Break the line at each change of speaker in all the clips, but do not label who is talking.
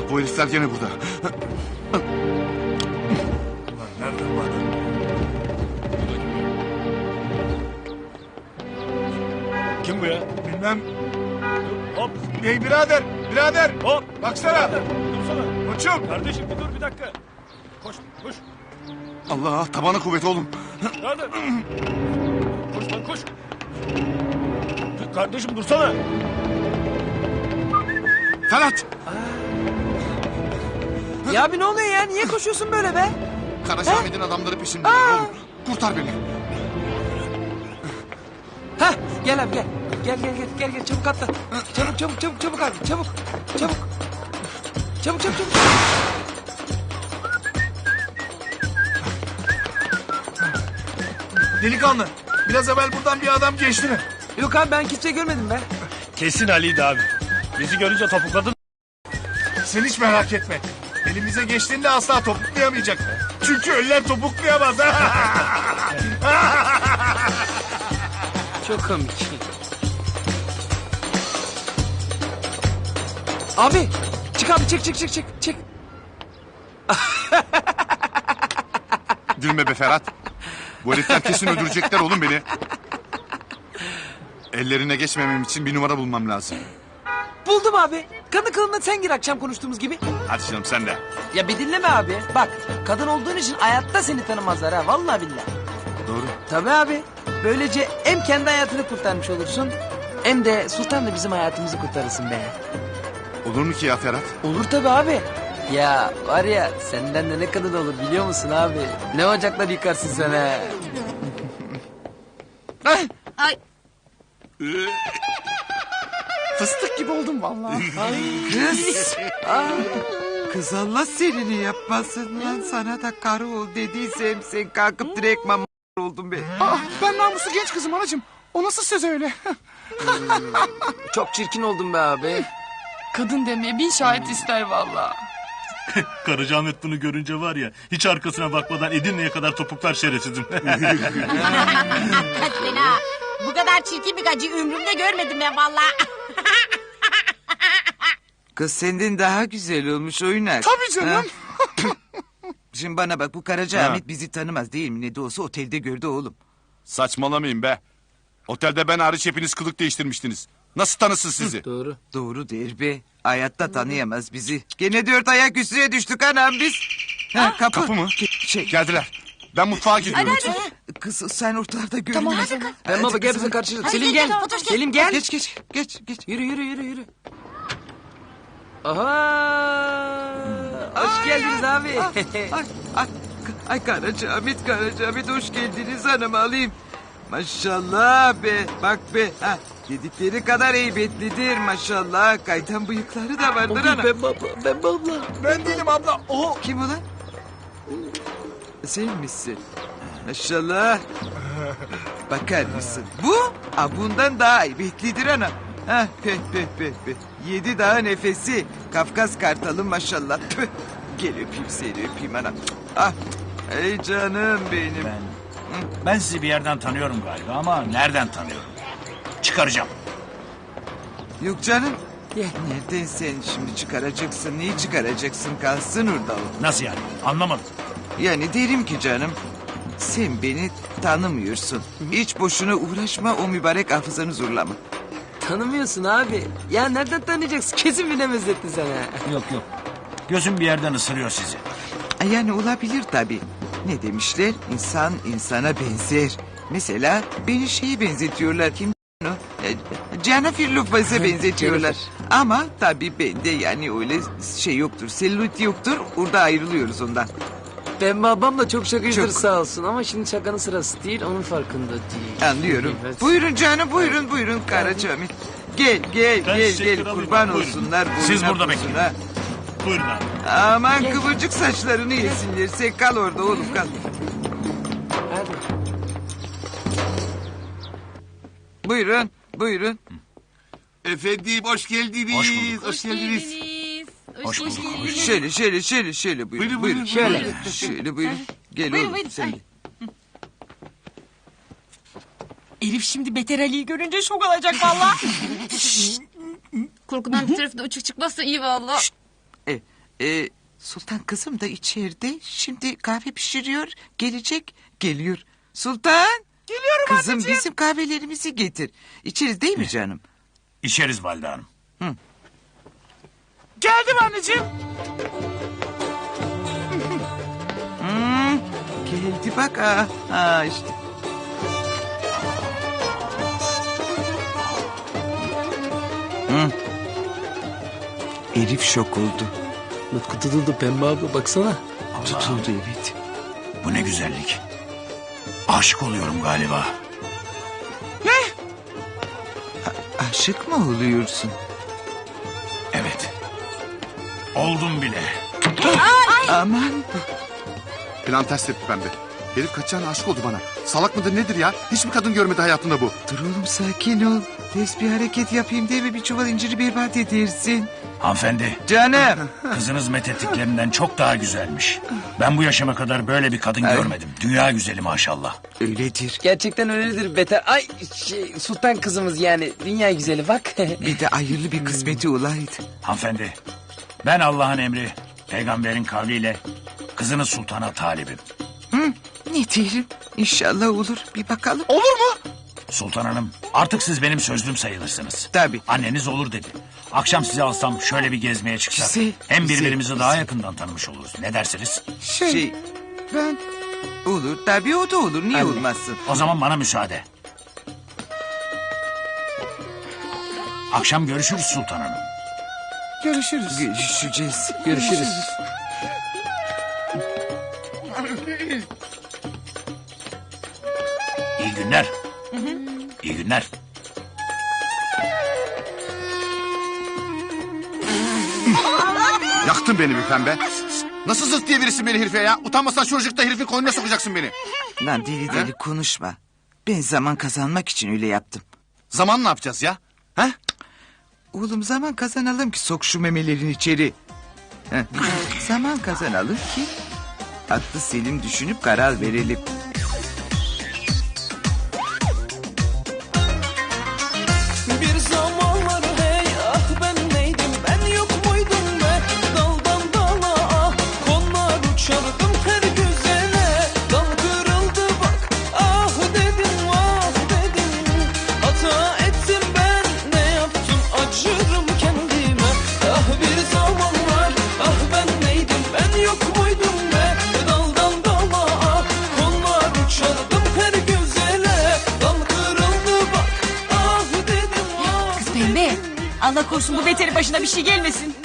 Bak bu herifler gene burada.
Nerede bu adam?
Kim bu ya?
Bilmem.
Hop.
Hey birader, birader.
Hop.
Baksana.
Dursana.
Koçum.
Kardeşim bir dur bir dakika. Koş koş.
Allah tabana kuvvet oğlum.
Nerede? Koş lan koş. Kardeşim dursana.
Ferhat!
Ya abi ne oluyor ya? Niye koşuyorsun böyle be?
Karacaahmet'in adamları peşimde oğlum. Kurtar beni.
Hah gel abi gel. Gel çabuk atla. Çabuk abi çabuk. Çabuk.
Delikanlı. Biraz evvel buradan bir adam geçti mi?
Yok abi ben kimseyi görmedim be.
Kesin Ali'ydi abi. Bizi görünce topukladın.
Sen hiç merak etme. Elimize geçtiğinde asla topuklayamayacak. Çünkü ölüler topuklayamaz.
Çok komik. Abi çık abi çık.
Gülme be Ferhat. Bu herifler kesin öldürecekler oğlum beni. Ellerine geçmemem için bir numara bulmam lazım.
Buldum abi. Kadın kılığına sen gir akşam konuştuğumuz gibi.
Hadi canım sen de.
Ya bir dinleme abi. Bak kadın olduğun için hayatta seni tanımazlar ha. Vallahi billahi.
Doğru.
Tabii abi. Böylece hem kendi hayatını kurtarmış olursun. Hem de Sultan da bizim hayatımızı kurtarırsın be.
Olur mu ki ya Ferhat?
Olur tabii abi. Ya var ya senden de ne kadın olur biliyor musun abi? Ne ocaklar yıkarsın sen ha. Ay.
Ay
Fıstık gibi oldum vallahi.
Kız. Kız Allah senin yapmasın lan sana da karı ol dediysem sen kalkıp direkt mama oldun be.
Ben namuslu genç kızım anacığım. O nasıl söz öyle?
Çok çirkin oldun be abi.
kadın demeye bin şahit ister valla.
Karacaahmet bunu görünce var ya hiç arkasına bakmadan Edirne'ye kadar topuklar şerefsizim.
Hakikaten ha. Bu kadar çirkin bir gacı ömrümde görmedim ben valla.
Kız senden daha güzel olmuş oynak.
Tabii canım.
Şimdi bana bak bu Karacaahmet bizi tanımaz değil mi? Ne de olsa otelde gördü oğlum.
Saçmalamayın be. Otelde ben hariç hepiniz kılık değiştirmiştiniz. Nasıl tanısın sizi?
Doğru.
Doğru der be. Hayatta tanıyamaz bizi. Gene 4 ayak üstüne düştük anam biz. Ha, kapı.
Kapı mı?
Şey,
Geldiler. Ben mutfağa gidiyorum.
kız sen ortalarda görünme.
Tamam, hadi kız.
Ben baba gel bize karşılaşalım.
Hadi
Selim
gel,
gel.
Fatoş gel.
Selim gel.
Geç.
Yürü. Aha. Hoş geldiniz abi.
Ay Karacaahmet hoş geldiniz hanım alayım. Maşallah be bak be. Ha, dedikleri kadar heybetlidir maşallah. Kaytan bıyıkları da vardır ana.
Ben abla.
Ben değilim abla. O.
Kim ulan? Sen misin? Maşallah. Bakar mısın? Bu bundan daha heybetlidir ana. Ha, peh. 7 daha nefesi. Kafkas kartalı maşallah. Tüh. Gel öpeyim seni öpeyim ana. Ah. Ey canım benim.
Ben sizi bir yerden tanıyorum galiba ama nereden tanıyorum? Çıkaracağım.
Yok canım.
Gel.
Nereden sen şimdi çıkaracaksın? Neyi çıkaracaksın? Kalsın orada o.
Nasıl yani? Anlamadım.
Yani derim ki canım. Sen beni tanımıyorsun. Hiç boşuna uğraşma o mübarek hafızanı zorlama.
Tanımıyorsun abi. Ya nereden tanıyacaksın? Kesin bir benzettin sen ha.
Yok. Gözüm bir yerden ısırıyor sizi.
Yani olabilir tabii. Ne demişler? İnsan insana benzer. Mesela beni şeye benzetiyorlar. Kim o? Cafer Lopez'e benzetiyorlar. Ama tabii bende yani öyle şey yoktur. Selülit yoktur. Orada ayrılıyoruz ondan.
Ben babam da çok şakacıdır
Çok.
sağ olsun. Ama şimdi şakanın sırası değil. Onun farkında değil.
Anlıyorum.
Evet.
Buyurun canım buyurun Karacaahmet. Gel
Ben şeker alayım,
kurban
buyurun.
olsunlar.
Siz
boyuna
burada
posuna.
bekleyin. Buyurun abi.
Aman
Gel.
kıvırcık saçlarını yesinler. Sen kal orada oğlum kal.
Hadi.
Buyurun.
Efendim hoş geldiniz.
Hoş bulduk.
Hoş geldiniz.
Hoş bulduk.
Şöyle buyurun.
Buyurun.
Şöyle buyurun. Gel
Buyurun,
oğlum
buyurun.
sen de.
Elif şimdi Beter Ali'yi görünce şok olacak valla.
Korkudan bir tarafı da uçuk çıkmazsa iyi valla.
Sultan kızım da içeride. Şimdi kahve pişiriyor. Gelecek. Geliyor. Sultan.
Geliyorum
Kızım
anneciğim.
bizim kahvelerimizi getir. İçeriz değil mi canım?
İçeriz Valide Hanım.
Geldim anneciğim.
Geldi bak. Ha işte. Elif şok oldu.
Mutku tutuldu Pembe abla baksana.
Tutuldu evet.
Bu ne güzellik. Aşık oluyorum galiba.
Aşık mı oluyorsun?
Evet. Oldum bile.
Aman.
Plan ters tepki pembe. Herif kaçacağına aşık oldu bana. Salak mıdır nedir ya? Hiçbir kadın görmedi hayatında bu.
Dur oğlum sakin ol. Ters bir hareket yapayım diye mi bir çuval inciri berbat edersin?
Hanımefendi,
Canım.
kızınız methettiklerinden çok daha güzelmiş. Ben bu yaşıma kadar böyle bir kadın görmedim. Dünya güzeli maşallah.
Öyledir.
Gerçekten öyledir beter. Ay sultan kızımız yani dünya güzeli bak.
Bir de hayırlı bir kısmeti olaydı.
Hanımefendi, ben Allah'ın emri, peygamberin kavliyle kızınız sultana talibim.
Ne diyelim? İnşallah olur. Bir bakalım.
Olur mu?
Sultan Hanım, artık siz benim sözlüm sayılırsınız.
Tabii.
Anneniz olur dedi. Akşam sizi alsam şöyle bir gezmeye çıksak.
Güzel,
Hem
güzel,
birbirimizi daha
güzel.
yakından tanımış oluruz. Ne dersiniz?
Ben... Olur. Tabii o da olur. Niye olmazsın?
O zaman bana müsaade. Akşam görüşürüz Sultan Hanım.
Görüşürüz.
Görüşeceğiz.
Görüşürüz.
İyi günler. İyi günler.
Yaktın beni bir pembe. Nasıl zırt diye birisin beni herife ya? Utanmasan çocuk da herifin koynuna sokacaksın beni.
Lan deli deli konuşma. Ben zaman kazanmak için öyle yaptım.
Zaman ne yapacağız ya? He?
Oğlum zaman kazanalım ki sok şu memelerini içeri. Heh. Zaman kazanalım ki aklı selim düşünüp karar verelim.
Bir zamanlar hey ah ben neydim ben yok muydum be daldan dala ah konlar uçardım her güzele dal kırıldı bak ah dedim hata ettim ben ne yaptım acırım kendime ah bir zamanlar ah ben neydim ben yok muydum be daldan dala ah konlar uçardım her güzele dal kırıldı bak ah dedim
Kız Pembe. Allah korusun bu beterin başına bir şey gelmesin.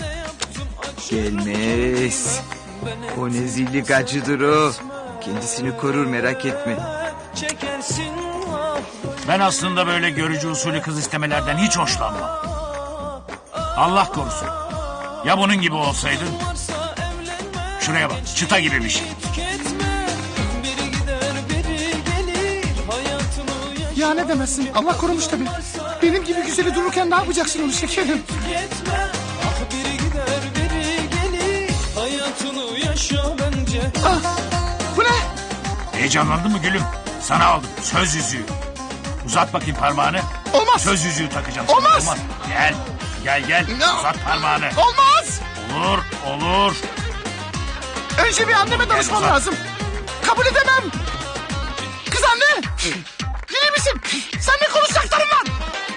Gelmez. O nezillik acıdır o. Kendisini korur merak etme.
çekersin ah
Ben aslında böyle görücü usulü kız istemelerden hiç hoşlanmam. Allah korusun. Ya bunun gibi olsaydın?
varsa evlenme
Şuraya bak, çıta gibi bir şey.
tüketme biri gider biri gelir hayatını yaşa
Ya ne demezsin? Allah korumuş tabii. Benim gibi güzeli dururken ne yapacaksın onu şekerim?
tüketme ah biri gider biri gelir hayatını yaşa bence
Bu ne?
Heyecanlandın mı gülüm? Sana aldım söz yüzüğü. Uzat bakayım parmağını.
Olmaz.
Söz yüzüğü takacağım. sana,
Olmaz.
Gel. Uzat parmağını.
Olmaz.
Olur.
Önce bir anneme danışmam
uzat.
lazım. Kabul edemem. Kız anne. İyi misin? Sen ne konuşacaklarım var?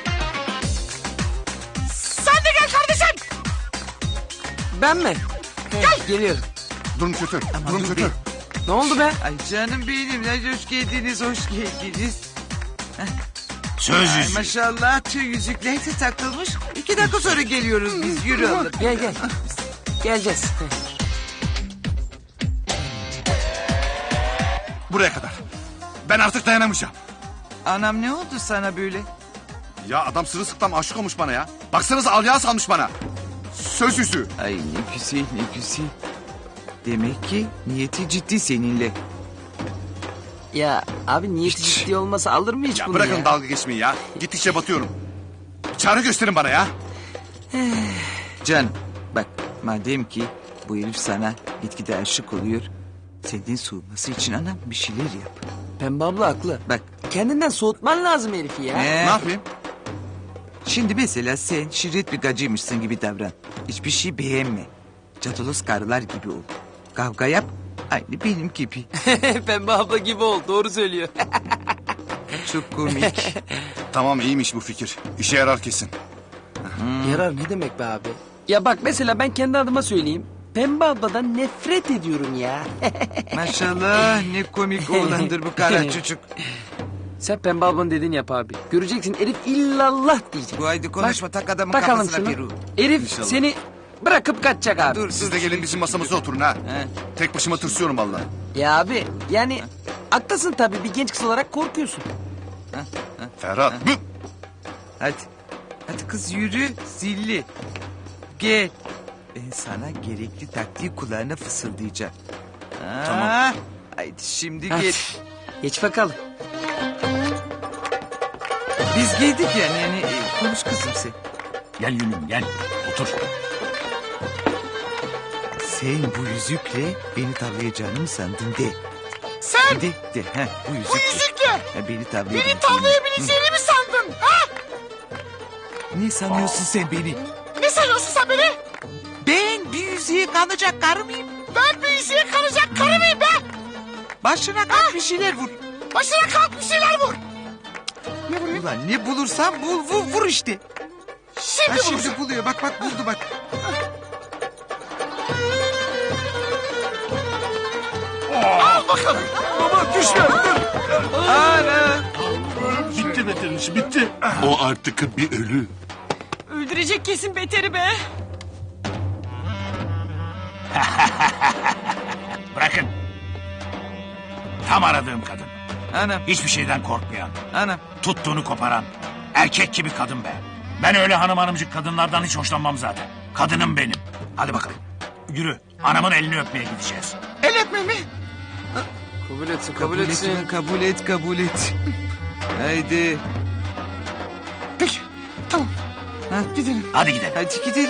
Sen de gel kardeşim.
Ben mi? Geliyorum.
Durum kötü. Durum
dur
kötü.
be.
Ne oldu be?
Ay canım benim. Ay, hoş geldiniz, hoş geldiniz.
Söz
Ay
yüzüğü.
maşallah tüy yüzükler de takılmış. 2 dakika sonra geliyoruz biz. Yürü oğlum.
Gel. Geleceğiz.
Buraya kadar. Ben artık dayanamayacağım.
Anam ne oldu sana böyle?
Ya adam sırılsıklam aşık olmuş bana ya. Baksanıza alyağı salmış bana. Söz yüzüğü.
Ay ne güzel ne güzel. Demek ki niyeti ciddi seninle.
Ya abi niyeti ciddi olmasa alır mı hiç
Ya
bunu
bırakın
ya?
dalga geçmeyi ya. Gittikçe batıyorum. Çare gösterin bana ya.
Can bak madem ki bu herif sana gitgide aşık oluyor. Senden soğuması için anam bir şeyler yap.
Pembe abla haklı.
Bak
Kendinden soğutman lazım herifi ya.
Ne yapayım?
Şimdi mesela sen şirret bir gacıymışsın gibi davran. Hiçbir şey beğenme. Cadolos karılar gibi ol. Kavga yap, aynı benim gibi.
Pembe abla gibi ol. Doğru söylüyor.
Çok komik.
Tamam iyiymiş bu fikir. İşe yarar kesin.
Yarar ne demek be abi? Ya bak mesela ben kendi adıma söyleyeyim. Pembe abladan nefret ediyorum ya.
Maşallah ne komik oğlandır bu kara çocuk.
Sen Pembe ablanın dediğini yap abi. Göreceksin Elif illallah diyecek.
Bu haydi konuşma, tak adamın
Bakalım
kafasına
şunu.
Peru.
Elif
İnşallah.
seni bırakıp kaçacak abi.
Dur,
Siz de gelin bizim masamıza oturun ha.
He.
Tek başıma tırsıyorum vallahi.
Ya abi yani haklısın tabii bir genç kız olarak korkuyorsun.
Ferhat.
Hadi. Hadi kız yürü zilli. Gel. Ben sana gerekli taktiği kulağına fısıldayacağım. Tamam. Haydi şimdi
Hadi.
gel.
Geç bakalım.
Biz geldik yani konuş kızım sen.
Gel Yunus gel. Otur.
Sen bu yüzükle beni tavlayacağını mı sandın de. Sen? De. Heh, bu yüzükle.
Bu yüzükle
Ha, beni tavlayabileceğini.
beni tavlayabileceğini mi sandın? Ha?
Ne sanıyorsun sen beni?
Ne sanıyorsun sen beni?
Ben bir yüzüğe kalacak karı mıyım?
Ben bir yüzüğe kalacak karı mıyım be?
Başına kalk bir şeyler vur.
Başına kalk bir şeyler vur. Ne vurayım?
Ulan ne bulursan bul vur işte.
Şimdi
Ha,
vuracağım.
şimdi buluyor bak buldu bak.
Al bakalım.
Baba düşme.
Ana.
Bitti Beter'in işi bitti.
O artık bir ölü.
Öldürecek kesin Beter'i be.
Bırakın. Tam aradığım kadın.
Anam
Hiçbir şeyden korkmayan.
anam.
Tuttuğunu koparan. Erkek gibi kadın be. Ben öyle hanımcık kadınlardan hiç hoşlanmam zaten. Kadınım benim. Hadi bakalım. Yürü. Anamın elini öpmeye gideceğiz.
El öpme mi?
Kabul etsin
Kabul et ulan, kabul et. Haydi.
Peki. Tamam.
Ha,
Gidelim.
Hadi gidelim.
hadi gidelim.